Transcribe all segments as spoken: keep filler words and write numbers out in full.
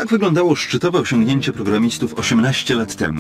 Tak wyglądało szczytowe osiągnięcie programistów osiemnaście lat temu.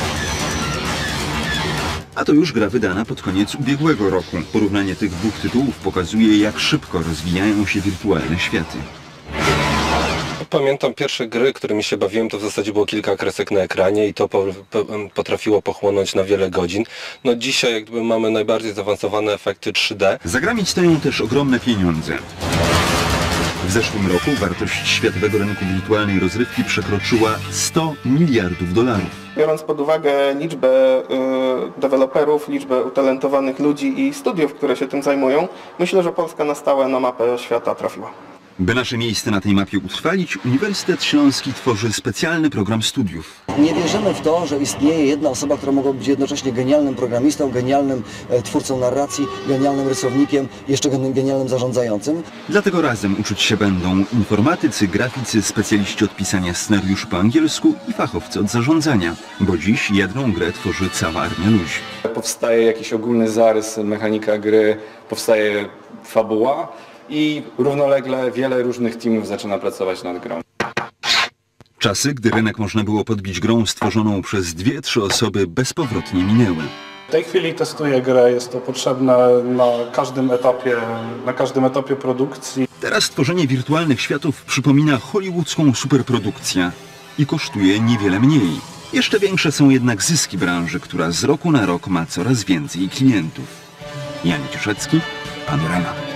A to już gra wydana pod koniec ubiegłego roku. Porównanie tych dwóch tytułów pokazuje, jak szybko rozwijają się wirtualne światy. Pamiętam pierwsze gry, którymi się bawiłem, to w zasadzie było kilka kresek na ekranie i to po, po, potrafiło pochłonąć na wiele godzin. No dzisiaj jakby mamy najbardziej zaawansowane efekty trzy D. Za grami stoją też ogromne pieniądze. W zeszłym roku wartość światowego rynku wirtualnej rozrywki przekroczyła sto miliardów dolarów. Biorąc pod uwagę liczbę y, deweloperów, liczbę utalentowanych ludzi i studiów, które się tym zajmują, myślę, że Polska na stałe na mapę świata trafiła. By nasze miejsce na tej mapie utrwalić, Uniwersytet Śląski tworzy specjalny program studiów. Nie wierzymy w to, że istnieje jedna osoba, która mogła być jednocześnie genialnym programistą, genialnym e, twórcą narracji, genialnym rysownikiem, jeszcze genialnym zarządzającym. Dlatego razem uczyć się będą informatycy, graficy, specjaliści od pisania scenariuszy po angielsku i fachowcy od zarządzania, bo dziś jedną grę tworzy cała armia ludzi. Powstaje jakiś ogólny zarys, mechanika gry, powstaje fabuła i równolegle wiele różnych teamów zaczyna pracować nad grą. Czasy, gdy rynek można było podbić grą stworzoną przez dwie, trzy osoby, bezpowrotnie minęły. W tej chwili testuję grę, jest to potrzebne na każdym etapie, na każdym etapie produkcji. Teraz tworzenie wirtualnych światów przypomina hollywoodzką superprodukcję i kosztuje niewiele mniej. Jeszcze większe są jednak zyski branży, która z roku na rok ma coraz więcej klientów. Jan Cieszecki, Panorama.